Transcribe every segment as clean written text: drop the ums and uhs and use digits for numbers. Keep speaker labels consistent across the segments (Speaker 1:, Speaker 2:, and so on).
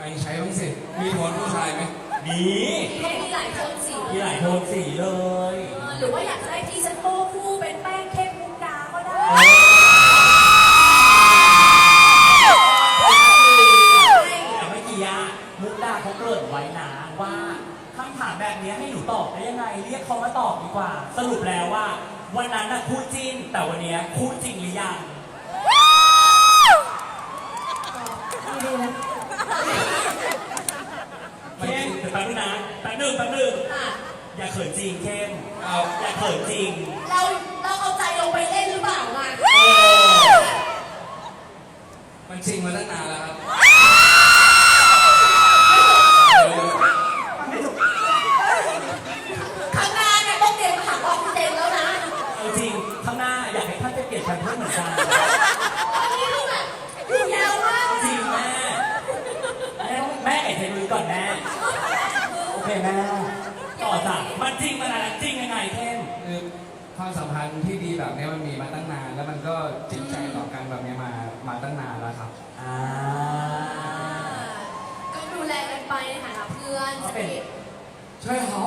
Speaker 1: ใช้บ้างสิมีโทนผู้ชายไหม
Speaker 2: มี
Speaker 3: มีหลายโทนสี
Speaker 2: มีหลายโทนสีเลย
Speaker 3: หรือว่าอยากจะได้ที่ฉันโป้คู่เป็นแป้งเข้มมุกดาก็ได้
Speaker 2: แต่เมื่อกี้มุกดาเขาเกริ่นไว้นะว่าคำถามแบบนี้ให้หนูตอบได้ยังไงเรียกเขามาตอบดีกว่าสรุปแล้วว่าวันนั้นน่ะคู่จิ้นแต่วันนี้คู่จริงหรือยังเข้มเดี๋ยวแป๊บนึงนะแป๊บนึงอย่าเขินจริงเข้มอย่าเขินจริง
Speaker 3: เราเอาใจลงไปเล่นหรือเปล่าล่ะ
Speaker 1: มันจริงมาตั้งนานแล้วครับ
Speaker 3: ข้างหน้าเนี่ยต้องเตรียมหาออกซิเจนแล้วนะ
Speaker 2: เอาจริงข้างหน้าอยากให้ท่านไปเปลี่ยนแพมเพิร์สเหมือนกัน
Speaker 3: ตอนนี้คือแบบอยู่ยาวมาก
Speaker 2: จริงแม่ไอ้เทนุ้ยก่อนแม่โอเคแม่ต่อจากมันจริงมันอะไรจริงยังไงเข้ม
Speaker 1: คือความสัมพันธ์ที่ดีแบบนี้มันมีมาตั้งนานแล้วมันก็จริงใจต่อกันแบบนี้มาตั้งนานแล้วครับ
Speaker 3: ก็ดูแลกันไปในฐานะเพื่อนสนิท
Speaker 1: ใช่ครับ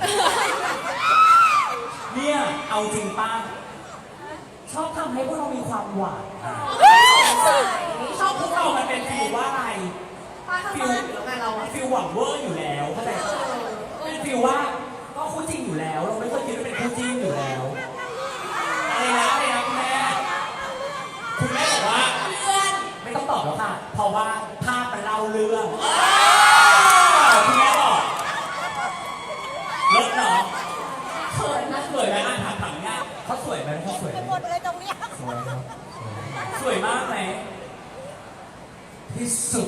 Speaker 2: เนี่ยเอาจริงป้าชอบทำให้พวกเรามีความหวานชอบพวกเรามันเป็นฟีลว่าอะไร
Speaker 3: ฟิลแล้วไงเรา
Speaker 2: ฟิลหวังเวอร์อยู่แล้วเข้าใจเป็นฟิลว่าก็คู่จริงอยู่แล้วเราไม่เคยคิดว่าเป็นคู่จริงอยู่แล้วอะไรนะคุณแม่บอกว่า
Speaker 3: เพื่อน
Speaker 2: ไม่ต้องตอบแล้วค่ะเพราะว่าภาพมันเล่าเรื่องคุณแม่บอกลดเนาะ
Speaker 3: เขินนะ
Speaker 2: สวยไหมถามเนี่ยเขาสวยไหมเขาสวย
Speaker 4: หมดเลยตรงนี้
Speaker 1: สวยครับ
Speaker 2: สวยมากไหม
Speaker 1: ที่สุด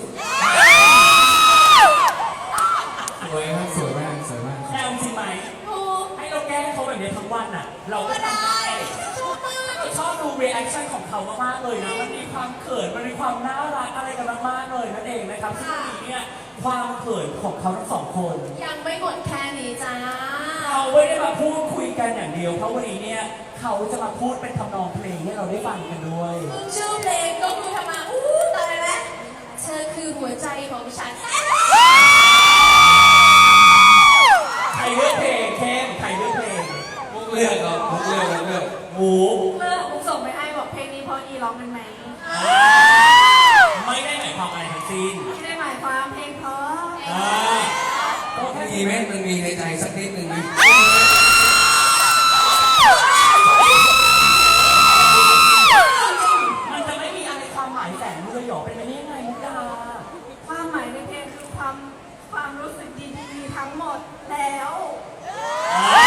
Speaker 1: สวยครับสวยมาก
Speaker 2: แค่จริงไหมให้เราแก้เขาแบบนี้ทั้งวันอ่ะเราก็ทำได้ชอบดูรีแอคชั่นของเขามากๆเลยนะมันมีความเขินมันมีความน่ารักอะไรกันมากๆเลยนั่นเองนะครับซึ่งวันนี้เนี่ยความเขินของเขาทั้งสองคน
Speaker 3: ยังไม่หมดแค่นี้จ้า
Speaker 2: เราไม่ได้มาพูดคุยกันอย่างเดียวเพราะวันนี้เนี่ยเขาจะมาพูดเป็นทำนองเพลงให้เราได้ฟังกันด้วย
Speaker 3: ชื่อเพลงก็คือทำมาตายแล้วเธอคือหัวใจของฉัน
Speaker 2: ใครเลือกเพลงเข้มใครเลือกเพลง
Speaker 1: มุกเลือกครับมุกเลือก
Speaker 3: มุกส่งไปให้บอกเพลงนี้เพราะอีร้องเป็นไหม
Speaker 2: ไม่ได้หมายความอะไรทั้งสิ้น
Speaker 3: ไม่ได้หมายความเพลงเพราะ
Speaker 1: มีไหมมันมีในใจสักนิดหนึ่งไหม
Speaker 2: มันจะไม่มีอะไรความหมายแฝงเลยหรอเป็นไปได้ยังไงมุกดา
Speaker 3: ความหมายในเพลงคือความรู้สึกดีๆทั้งหมดแล้ว